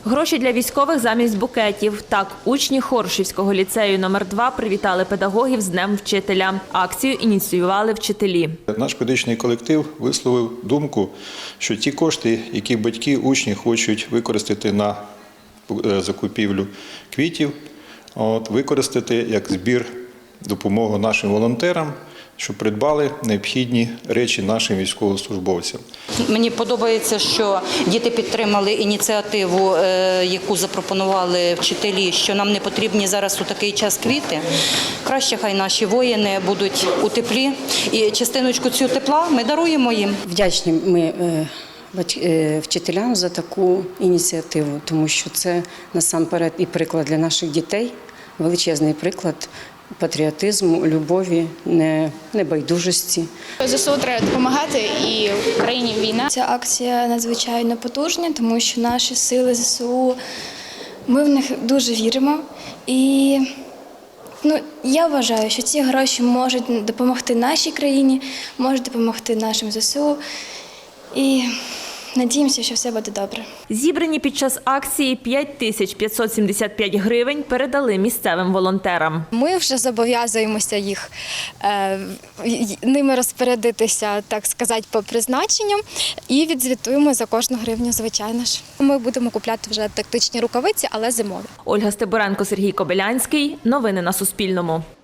Гроші для військових замість букетів. Так, учні Хоршівського ліцею номер 2 привітали педагогів з Днем вчителя. Акцію ініціювали вчителі. Наш педагогічний колектив висловив думку, що ті кошти, які батьки, учні хочуть використати на закупівлю квітів, використати як збір допомоги нашим волонтерам, щоб придбали необхідні речі нашим військовослужбовцям. Мені подобається, що діти підтримали ініціативу, яку запропонували вчителі, що нам не потрібні зараз у такий час квіти. Краще хай наші воїни будуть у теплі. І частиночку цього тепла ми даруємо їм. Вдячні ми вчителям за таку ініціативу, тому що це насамперед і приклад для наших дітей, величезний приклад патріотизму, любові, небайдужості. ЗСУ треба допомагати, і в країні війна. Ця акція надзвичайно потужна, тому що наші сили ЗСУ, ми в них дуже віримо. І я вважаю, що ці гроші можуть допомогти нашій країні, можуть допомогти нашим ЗСУ. І надіємося, що все буде добре. Зібрані під час акції 5575 гривень передали місцевим волонтерам. Ми вже зобов'язуємося ними розпорядитися, так сказати, по призначенням і відзвітуємо за кожну гривню, звичайно ж. Ми будемо купляти вже тактичні рукавиці, але зимові. Ольга Стебуренко, Сергій Кобилянський. Новини на Суспільному.